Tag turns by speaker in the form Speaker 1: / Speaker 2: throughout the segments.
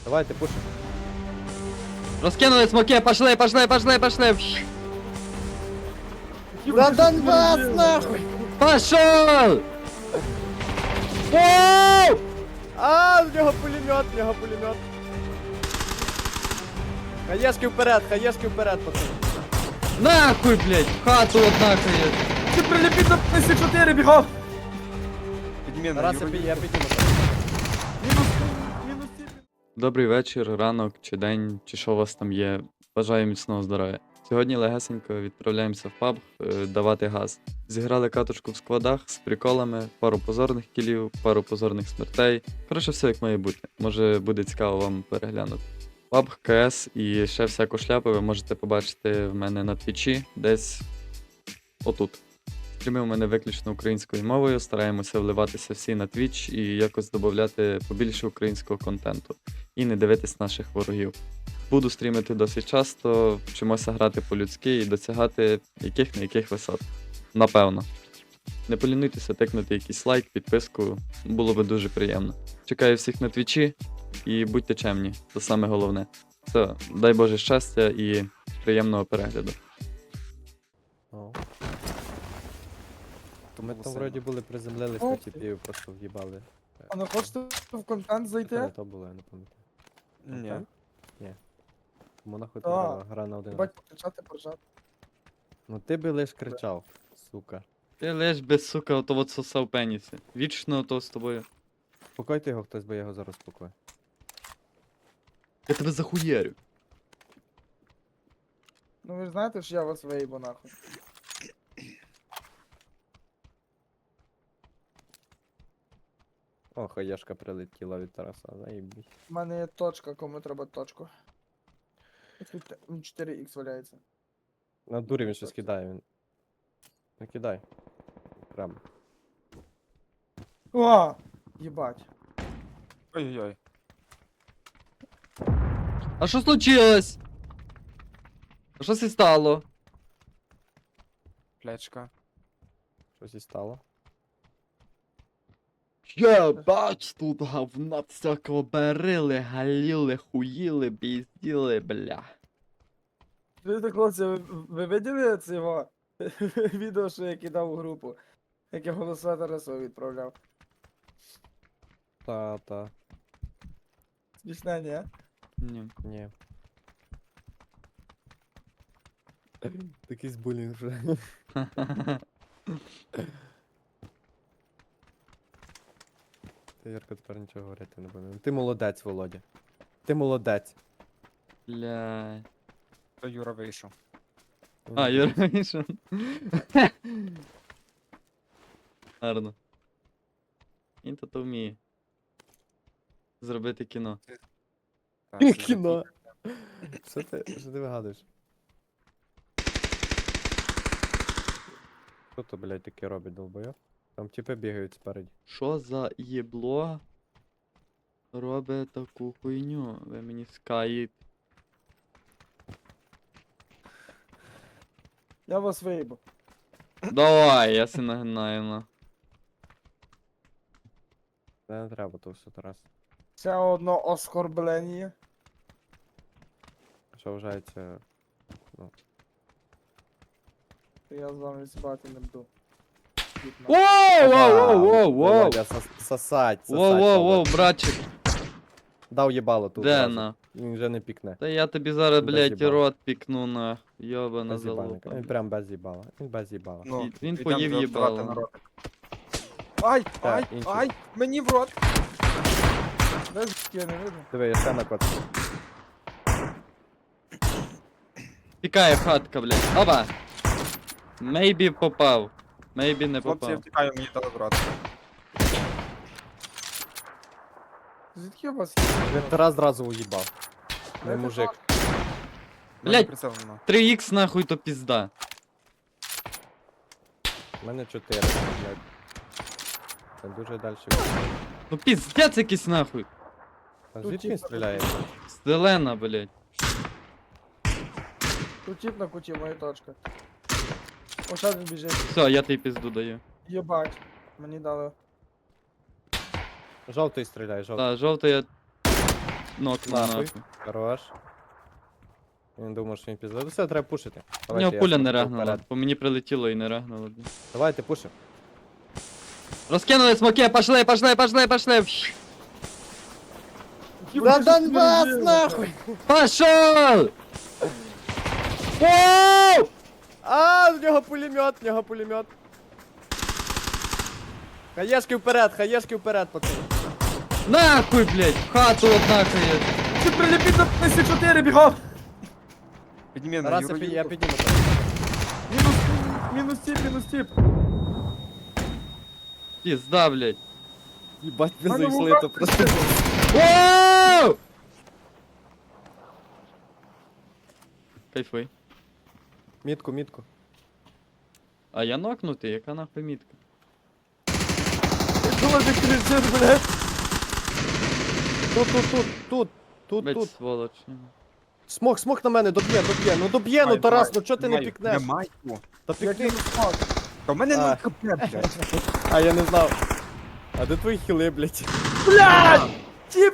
Speaker 1: Давайте, пушим.
Speaker 2: Розкинули смоки, пошли.
Speaker 1: За Донбас, нахуй!
Speaker 2: Пошел! Воу!
Speaker 1: А, в нього пулемет. Хаєшки вперед, пацани.
Speaker 2: Нахуй, блядь, в хату однакає.
Speaker 3: Ти приліпіть до П-4, бігав!
Speaker 1: Зараз я підніму.
Speaker 3: Мінус ці.
Speaker 2: Добрий вечір, ранок чи день, чи що у вас там є. Бажаю міцного здоров'я. Сьогодні легесенько відправляємося в паб давати газ. Зіграли каточку в складах з приколами, пару позорних кілів, пару позорних смертей. Коротше, все як має бути. Може буде цікаво вам переглянути. Паб, КС і ще всяку шляпу ви можете побачити в мене на твічі, десь отут. Стріми у мене виключно українською мовою, стараємося вливатися всі на Twitch і якось додати побільше українського контенту. І не дивитись наших ворогів. Буду стрімити досить часто, вчимося грати по-людськи і досягати яких висот. Напевно. Не полінуйтеся тикнути якийсь лайк, підписку, було би дуже приємно. Чекаю всіх на твічі і будьте чемні, це саме головне. Все, дай Боже щастя і приємного перегляду.
Speaker 1: О. То ми там вроді були приземлились на тіпів, просто в'їбали.
Speaker 3: А не хочете в контент
Speaker 1: Це
Speaker 3: зайти?
Speaker 1: то було, я не пам'ятаю.
Speaker 3: Ні.
Speaker 1: Ні. Тому нахуй
Speaker 3: Так.
Speaker 1: треба гра на один раз.
Speaker 3: Бать, покричати, поржати.
Speaker 1: Ну ти би лиш кричав, сука.
Speaker 2: Ти лиш без сука, ото от сосав пенісі. Вічно ото з тобою.
Speaker 1: Спокойте його хтось, бо я його зараз спокою.
Speaker 2: Я тебе захуєрю.
Speaker 3: Ну ви ж знаєте, що я вас виїбу нахуй.
Speaker 1: О, хаєшка прилетіла від Тараса, заїбісь.
Speaker 3: У мене є точка, кому треба точку. Тут 4х валяється.
Speaker 1: На дурі він щось кидає, він. Не кидай. Прямо.
Speaker 3: О! Єбать.
Speaker 4: Ой-ой-ой.
Speaker 2: А що случилось? А що це стало?
Speaker 4: Плечка.
Speaker 1: Щось і стало.
Speaker 2: Я бач, тут говна всякого берили, галіли, хуїли, пізділи, бля.
Speaker 3: Ви, хлопці, ви виділи це його відео, що я кидав у групу? Як я голоса Тарасові відправляв.
Speaker 1: Та.
Speaker 3: Смішне, ні?
Speaker 2: Ні.
Speaker 1: Ні. Такий булінг вже. Ти, Ярко, тепер нічого говорити не буде. Ти молодець, Володя. Ти молодець.
Speaker 2: Бля.
Speaker 4: То Юра вийшов.
Speaker 2: А, Юра вийшов. Гарно. Він то вміє. Зробити кіно.
Speaker 4: Так, це
Speaker 1: Кіно. Що ти вигадуєш? Що то, блядь, таке робить, долбойоб? Там тіпи бігають спереді.
Speaker 2: Що за єбло робить таку хуйню? Ви мені скаїть.
Speaker 3: Я вас виїбу.
Speaker 2: Давай, я си нагинаю на.
Speaker 1: Не треба то все, Тарас.
Speaker 3: Ще одно оскорблення.
Speaker 1: Що вважається...
Speaker 3: Я з вами спати не буду.
Speaker 2: Воу, воу, воу, воу,
Speaker 1: Володя, сосать.
Speaker 2: воу, воу, воу, братчик,
Speaker 1: Дав їбало тут.
Speaker 2: де
Speaker 1: зразу.
Speaker 2: на?
Speaker 1: Він вже не пікне.
Speaker 2: Та я тобі зараз,
Speaker 1: Без
Speaker 2: блядь,
Speaker 1: їбала.
Speaker 2: рот пікну на йобана
Speaker 1: Без їбальника.
Speaker 2: залупа.
Speaker 1: Він прям без їбала. Він без їбала.
Speaker 4: Ну,
Speaker 2: Він
Speaker 4: йдемо
Speaker 2: поїв
Speaker 4: вбивати
Speaker 2: їбало.
Speaker 4: народ.
Speaker 3: Ай,
Speaker 1: Так, інший.
Speaker 3: ай, мені в рот. Де я не видно?
Speaker 1: Диви, я ще на кот.
Speaker 2: Тікає хатка, блядь. Опа! Мейбі попав. Мейбі не
Speaker 4: Хлопці, я
Speaker 2: попав.
Speaker 4: втікаю, мені дали брат.
Speaker 3: Звідки у вас є?
Speaker 1: Він Тарас зразу уїбав. Не
Speaker 3: Дайте
Speaker 1: мужик.
Speaker 3: точку.
Speaker 2: Блядь.
Speaker 4: Прицел нема.
Speaker 2: 3х нахуй то пізда.
Speaker 1: У мене 4, блядь. Це дуже далі.
Speaker 2: Ну піздець якийсь нахуй.
Speaker 1: А
Speaker 3: Тут
Speaker 1: звідки він
Speaker 3: типа
Speaker 1: стріляє?
Speaker 2: Зелена, блядь.
Speaker 3: Тут тип на куті, моя точка. О, зараз він біжить.
Speaker 2: Все, я тобі пізду даю.
Speaker 3: Єбать. Мені дали.
Speaker 1: Жовтий стріляє, жовтий.
Speaker 2: Так, жовтий я. нокнув
Speaker 1: Нахуй.
Speaker 2: нахуй.
Speaker 1: Хорош. Він думав, що він пізде. Все, треба пушити.
Speaker 2: У нього
Speaker 1: Давайте, я
Speaker 2: пуля не
Speaker 1: смокну
Speaker 2: регнула.
Speaker 1: вперед.
Speaker 2: По мені прилетіло і не регнуло. блін.
Speaker 1: Давайте, пушимо.
Speaker 2: Розкинули смоки, пошли, пошли, пошли, пошли.
Speaker 1: За Донбас, нахуй!
Speaker 2: Пошел! Воу!
Speaker 1: А, в нього пулемет. Хаєшки вперед, пацани.
Speaker 2: Нахуй, блядь, в хату однако є.
Speaker 3: Ти приліпіть до С4 бігав!
Speaker 4: Підніми на
Speaker 1: Зараз
Speaker 4: Юру,
Speaker 1: я
Speaker 4: Юру.
Speaker 1: підніму.
Speaker 3: Мінус тіп.
Speaker 2: Пізда, блядь.
Speaker 1: Їбать, ви
Speaker 3: Мене
Speaker 1: зайшли,
Speaker 3: вуха-
Speaker 1: то просто...
Speaker 2: Воу! Кайфуй.
Speaker 1: Мітку.
Speaker 2: А я нокнутий, яка нахуй мітка?
Speaker 3: Думав, ти кричиш, блядь.
Speaker 1: Тут.
Speaker 2: Блядь, сволоч.
Speaker 1: Смок на мене, доб'є. Ну доб'є, ну
Speaker 4: Давай,
Speaker 1: Тарас,
Speaker 4: давай.
Speaker 1: ну чого ти не
Speaker 4: Маю,
Speaker 1: пікнеш?
Speaker 4: Не маю.
Speaker 1: Та
Speaker 3: Як
Speaker 1: пікни.
Speaker 3: він смак.
Speaker 4: Та в мене
Speaker 1: А.
Speaker 4: 0 хп, блядь.
Speaker 1: А, я не знав. А де твої хіли, блядь?
Speaker 3: Блядь! Тіп!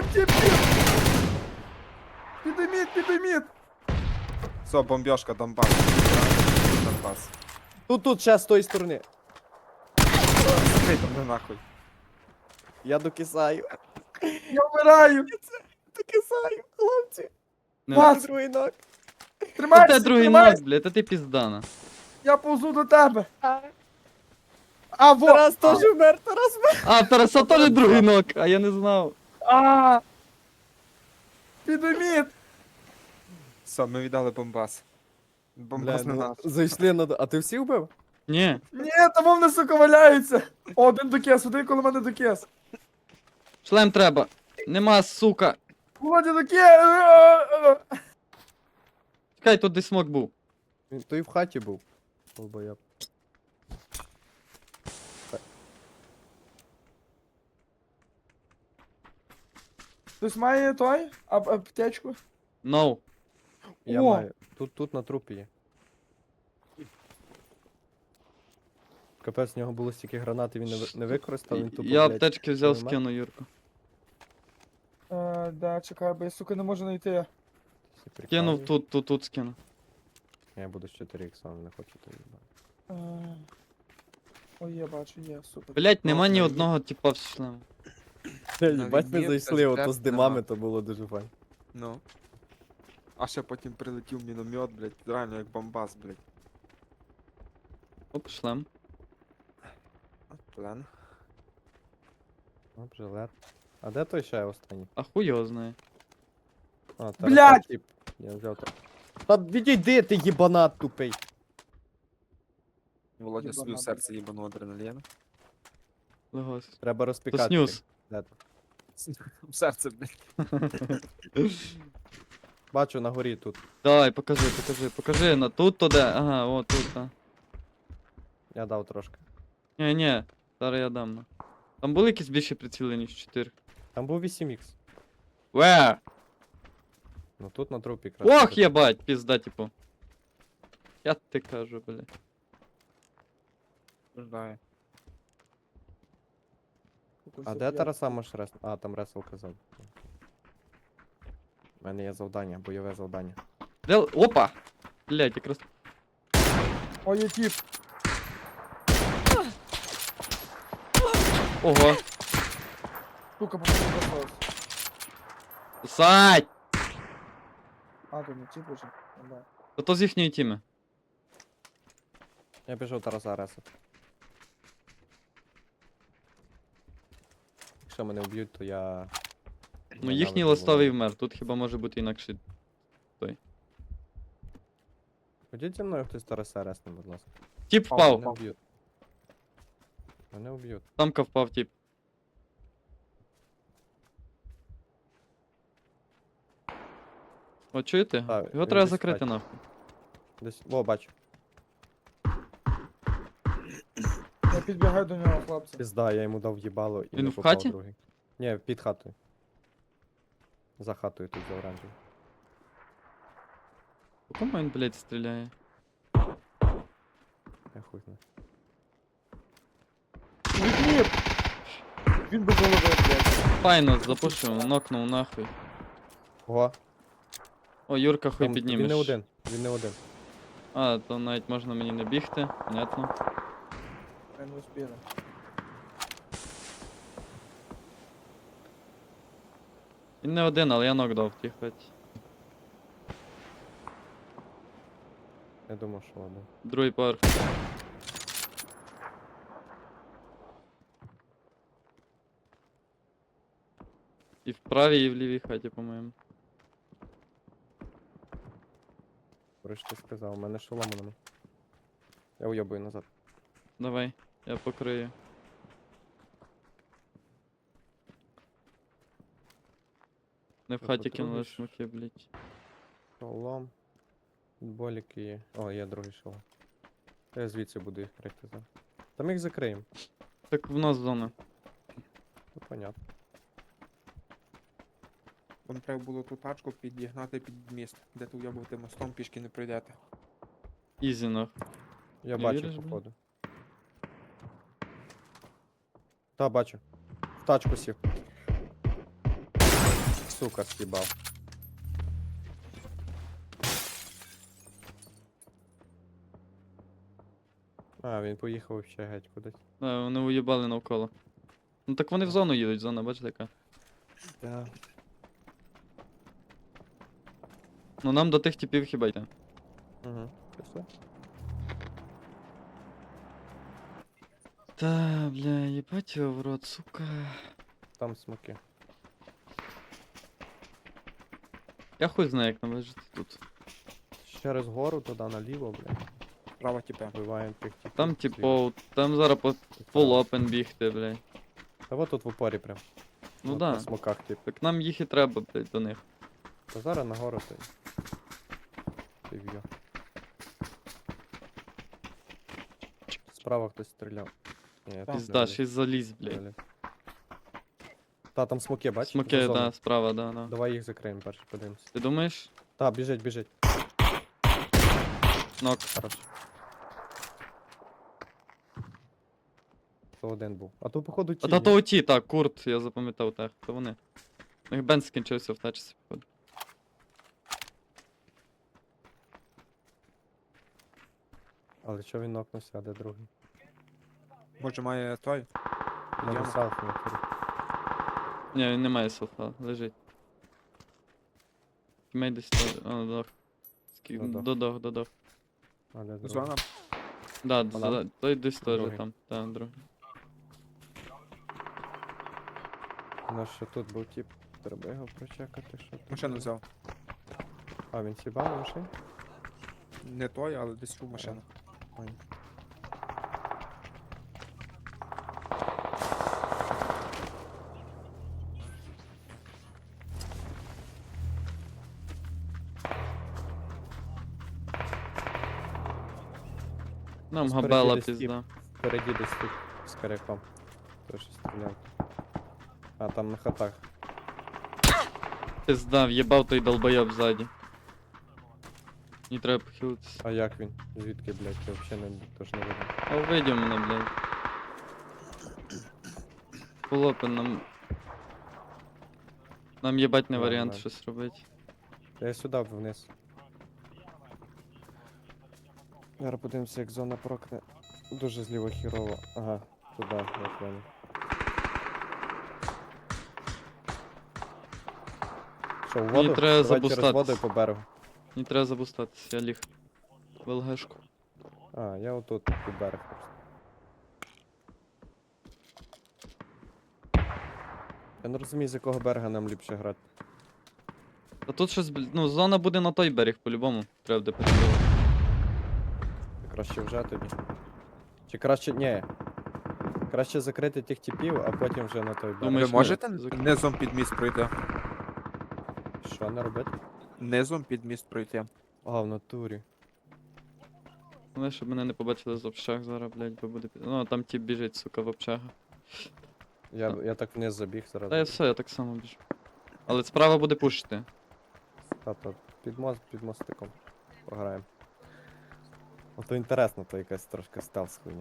Speaker 3: Підійміть!
Speaker 4: Все, бомбежка, Донбас. Донбас.
Speaker 1: Тут, ще з тої сторони.
Speaker 4: Закрий там, не нахуй.
Speaker 1: Я докисаю.
Speaker 3: Я вмираю!
Speaker 1: Докисаю, хлопці.
Speaker 3: Пас!
Speaker 1: Другий ног.
Speaker 3: Тримайся,
Speaker 2: Це другий
Speaker 3: тримайся!
Speaker 2: нок, блядь, та ти піздана.
Speaker 3: Я повзу до тебе! А, во!
Speaker 1: Тарас теж вмер, Тарас вмер.
Speaker 2: А, в Тараса теж другий нок, а я не знав.
Speaker 3: А! Підійміть!
Speaker 4: Все, ми віддали бомбас. Бомбас
Speaker 1: Бля,
Speaker 4: не
Speaker 1: ну,
Speaker 4: наш.
Speaker 1: зайшли на... А ти всі вбив?
Speaker 2: Ні.
Speaker 3: Ні, там вони, сука, валяються! О, один докес, один коло мене докес.
Speaker 2: Шлем треба. Нема, сука.
Speaker 3: Володя докес!
Speaker 2: Чекай, тут десь смок був.
Speaker 1: Він той в хаті був. Долбоєб.
Speaker 3: Хтось має той? Аптечку?
Speaker 1: Я
Speaker 2: No.
Speaker 3: О!
Speaker 1: маю. Тут на трупі є. Капець, в нього було стільки гранат, і він не використав, він тупо,
Speaker 2: Я
Speaker 1: блядь,
Speaker 2: аптечки взяв,
Speaker 1: нема.
Speaker 2: скину, Юрку.
Speaker 3: Да, чекай, бо я, сука, не можу знайти.
Speaker 1: Всі
Speaker 2: Кинув
Speaker 1: прикалують.
Speaker 2: тут скину.
Speaker 1: Я буду з 4 ікса, не хочу тобі.
Speaker 3: Ой, я бачу, є, супер.
Speaker 2: Блять, нема
Speaker 4: Ну,
Speaker 2: ні
Speaker 4: на
Speaker 2: одного типа в шлему.
Speaker 1: Їбать, ми
Speaker 4: відмір
Speaker 1: зайшли,
Speaker 4: теж
Speaker 1: ото з
Speaker 4: треп
Speaker 1: димами,
Speaker 4: нема.
Speaker 1: то було дуже файно.
Speaker 4: Ну. А ще потім прилетів міномет, блядь, реально як бомбас, блядь.
Speaker 2: Оп, шлем.
Speaker 4: Плен.
Speaker 1: Оп, жилет. А де той ще останній?
Speaker 2: А хуй його знає.
Speaker 1: А,
Speaker 3: Блядь!
Speaker 1: Тіп. Я взяв так. Та відійди ти, їбанат тупий.
Speaker 4: Володя собі в
Speaker 3: Єбана,
Speaker 4: серце їбану адреналін.
Speaker 2: Легось.
Speaker 1: Треба
Speaker 2: То
Speaker 1: розпікати.
Speaker 2: снюс.
Speaker 1: Де ти?
Speaker 4: В серце, блядь.
Speaker 1: Бачу на горі тут.
Speaker 2: Давай, покажи. На тут то де. Ага, о, тут, а.
Speaker 1: Я дав трошки.
Speaker 2: Ні, зараз я дам. Там були якісь більші приціли, ніж 4.
Speaker 1: Там був 8х.
Speaker 2: Ве!
Speaker 1: Ну тут на трупі якраз.
Speaker 2: Ох, єбать, пізда, типу. Я ти кажу, бля.
Speaker 4: Ждаю.
Speaker 1: А де Тараса можеш рес... А, там ресел казав. У мене є завдання, бойове завдання.
Speaker 2: Де... Опа! Блять, якраз.
Speaker 3: Ой, є тіп.
Speaker 2: Ого.
Speaker 3: Сука, попаду до
Speaker 2: Сать!
Speaker 3: А, тут не тіп уже. Да.
Speaker 2: То з їхньої тіми.
Speaker 1: Я пішов Тараса ресет. Якщо мене вб'ють, то я...
Speaker 2: Ну їхній ластовий вмер, тут хіба може бути інакше.
Speaker 1: Ходіть зі мною хтось Тараса ресне, будь ласка.
Speaker 2: Тіп
Speaker 1: Мене
Speaker 2: впав.
Speaker 1: вб'ють. Мене вб'ють.
Speaker 2: Тамка впав, тіп. О, чуєте?
Speaker 1: Так,
Speaker 2: Його
Speaker 1: він
Speaker 2: треба
Speaker 1: десь
Speaker 2: закрити
Speaker 1: бачить.
Speaker 2: нахуй.
Speaker 1: Десь... О, бачу.
Speaker 3: Я підбігаю до нього, хлопці.
Speaker 1: Пізда, я йому дав їбало і
Speaker 2: Він
Speaker 1: не
Speaker 2: в
Speaker 1: попав
Speaker 2: хаті?
Speaker 1: другий. Ні, під хатою. За хатою тут за оранжевою.
Speaker 2: По кому він, блядь, стріляє?
Speaker 1: Я хуй знаю.
Speaker 3: Відмір! Він без голови, блядь.
Speaker 2: Файно, запушив, нокнув нахуй.
Speaker 1: Ого,
Speaker 2: О, Юрка, хуй
Speaker 1: там,
Speaker 2: піднімеш.
Speaker 1: він не один, він не один.
Speaker 2: А, то навіть можна мені не бігти, понятно.
Speaker 3: Ми не успіли.
Speaker 2: Він не один, але я нокдав ті хоч.
Speaker 1: Я думав, що ладно.
Speaker 2: Другий поверх. І в правій, і в лівій хаті, по-моєму.
Speaker 1: Коротше, ти сказав, у мене шолому нема. Я уйобую назад.
Speaker 2: Давай, я покрию. Не в
Speaker 1: Що,
Speaker 2: хаті кинули
Speaker 1: потрубиш?
Speaker 2: смоки, блять.
Speaker 1: Шолом. Боліки є. О, є другий шолом. Я звідси буду їх крити зараз. Там їх закриємо.
Speaker 2: Так в нас зона.
Speaker 1: Ну, понятно.
Speaker 4: Вам треба було ту тачку підігнати під міст, де ти уйобувати мостом, пішки не пройдете.
Speaker 2: Ізі нах.
Speaker 1: Я
Speaker 2: Не
Speaker 1: бачу,
Speaker 2: віриш, блін?
Speaker 1: походу. Та, бачу. В тачку сів. Сука, з'їбав. А, він поїхав ще геть кудись.
Speaker 2: Да, вони уїбали навколо. Ну так вони в зону їдуть, зона, бачите яка.
Speaker 1: Так.
Speaker 2: Ну нам до тих типів хіба йти.
Speaker 1: Угу. Все.
Speaker 2: Та, бля, їбать його в рот, сука.
Speaker 1: Там смоки.
Speaker 2: Я хуй знаю, як нам вижити тут.
Speaker 1: Через гору, туди наліво, блядь.
Speaker 4: Права тіпе.
Speaker 1: Вбиваємо тих типів.
Speaker 2: Там
Speaker 1: зліва.
Speaker 2: типу, там зараз по
Speaker 1: І
Speaker 2: фул
Speaker 1: вправо.
Speaker 2: опен бігти, блядь.
Speaker 1: Та от тут в упорі прям.
Speaker 2: Ну
Speaker 1: От
Speaker 2: да.
Speaker 1: На смоках, тип.
Speaker 2: Так нам їх і треба, блядь, до них.
Speaker 1: Та зараз нагору ти. Ти в'йо. Справа хтось стріляв. Ні, тут не
Speaker 2: Пізда,
Speaker 1: виліз.
Speaker 2: ще й залізь, блядь.
Speaker 1: Виліз. Та, там смоки, бачиш?
Speaker 2: Смоки,
Speaker 1: За зону.
Speaker 2: да, справа, да, да.
Speaker 1: Давай їх закриємо перше, подивимось.
Speaker 2: Ти думаєш?
Speaker 1: Та, біжить, біжить.
Speaker 2: Нок.
Speaker 1: Хорош. То один був. А то, походу, ті.
Speaker 2: А та
Speaker 1: ні?
Speaker 2: то оті, так, курт, я запам'ятав так, то вони. У них бенз скінчився в тачці, походу.
Speaker 1: Але що він нокнувся, а де другий?
Speaker 4: Може має той?
Speaker 1: Може
Speaker 4: Яма.
Speaker 1: селфі не курить.
Speaker 2: Ні, він не має селфа, лежить. Тімей десь то. А, додох.
Speaker 1: Додох.
Speaker 2: Додох.
Speaker 1: А де другий?
Speaker 4: Зона.
Speaker 2: Да,
Speaker 1: Вона?
Speaker 2: той десь теж
Speaker 1: Другий.
Speaker 2: там. Та, другий.
Speaker 1: У нас ще тут був тип. Треба його прочекати, що тут
Speaker 4: Машину
Speaker 1: було.
Speaker 4: взяв.
Speaker 1: А, він сібав на машині?
Speaker 4: Не той, але десь у машину.
Speaker 1: Ой.
Speaker 2: Нам
Speaker 1: Спереді
Speaker 2: габела
Speaker 1: десь тіп.
Speaker 2: пізда.
Speaker 1: Впереді десь тут з коряком. Теж стріляв. А, там на хатах.
Speaker 2: Пізда, в'єбав той долбойоб ззаді. Мені треба похилитися.
Speaker 1: А як він? Звідки, блядь, я взагалі не, тож не видно.
Speaker 2: А увидів мене, блядь. Полопен нам. Нам їбать не
Speaker 1: Ладно,
Speaker 2: варіант
Speaker 1: ладно.
Speaker 2: щось робити.
Speaker 1: Я сюди вниз. Зараз подивимося, як зона прокне. Дуже зліво хірово. Ага, туди, я понял. Що, в воду?
Speaker 2: треба
Speaker 1: Давай через
Speaker 2: забустатись.
Speaker 1: воду і по берегу.
Speaker 2: Мені треба забустатися, я ліг. В ЛГшку.
Speaker 1: А, я отут під берег просто. Я не розумію, з якого берега нам ліпше грати.
Speaker 2: Та тут щось, ну, зона буде на той берег, по-любому. Треба буде перебувати.
Speaker 1: Краще вже тоді. Чи краще. Ні. Краще закрити тих типів, а потім вже на той берег.
Speaker 2: Думаєш,
Speaker 4: Ви
Speaker 2: ні,
Speaker 4: можете
Speaker 2: закрив.
Speaker 4: низом під міст пройти?
Speaker 1: Що не робити?
Speaker 4: Низом під міст пройти.
Speaker 1: А, в натурі.
Speaker 2: Головне, щоб мене не побачили з общаг зараз, блядь, бо буде. Ну, там тип біжить, сука, в общага.
Speaker 1: Я так вниз забіг зразу.
Speaker 2: Та я все, я так само біжу. Але справа буде пушити.
Speaker 1: Та під мостиком пограємо. Ото інтересно, то якась трошки стелс хуйня.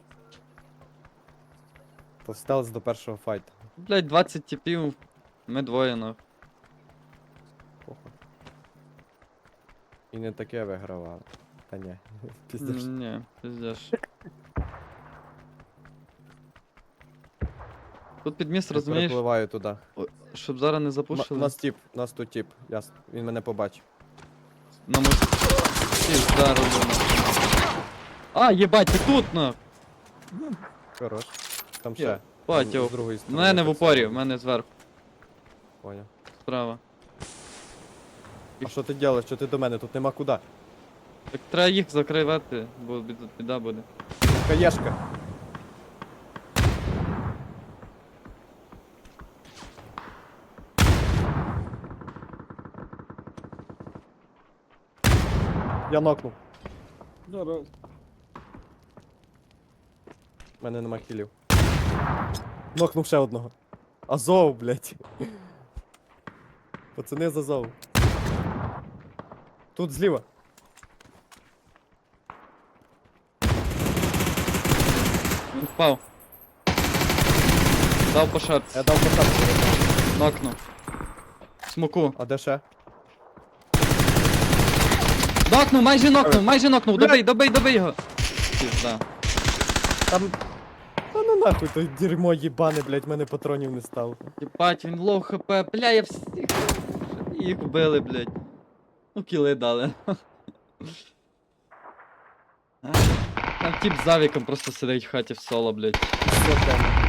Speaker 1: То стелс до першого файту.
Speaker 2: Блядь, 20 типів, ми двоє нах.
Speaker 1: Похуй. І не таке вигравали. Та ні, піздеш.
Speaker 2: Ні, пиздеш. Тут під міст,
Speaker 1: Я
Speaker 2: розумієш,
Speaker 1: перепливаю туди.
Speaker 2: щоб зараз не
Speaker 1: У
Speaker 2: запушили.
Speaker 1: нас тут тип, ясно. Він мене побачив.
Speaker 2: На мості. Зараз. А, єбать, ти тут, на!
Speaker 1: Хорош. Там
Speaker 2: Я
Speaker 1: ще.
Speaker 2: Батя,
Speaker 1: З другої
Speaker 2: в
Speaker 1: сторони.
Speaker 2: мене в
Speaker 1: так
Speaker 2: упорі,
Speaker 1: само.
Speaker 2: в мене зверху,
Speaker 1: Поняв.
Speaker 2: справа.
Speaker 1: А що ти робиш? Що ти до мене? Тут нема куди.
Speaker 2: Так треба їх закривати, бо біда буде.
Speaker 1: Каєшка. Я нокнув.
Speaker 3: Здорово.
Speaker 1: У мене нема хілів. Нокнув ще одного. Азов, блядь. Пацани з Азов. Тут зліва.
Speaker 2: Він впав. Дав по шапці,
Speaker 1: Я дав посадку.
Speaker 2: нокнув. Смоку.
Speaker 1: А де ще?
Speaker 2: Нокнув, майже нокнув, добий його. Пізда.
Speaker 1: Там. Та ну нахуй, то дерьмо їбане, блядь, мене патронів не стало.
Speaker 2: Єбать, він лоу хп, бля, я всіх їх вбили, блядь. Ну, кіли дали. Там тип з авіком просто сидить в хаті в соло, блядь.
Speaker 1: Все, темно.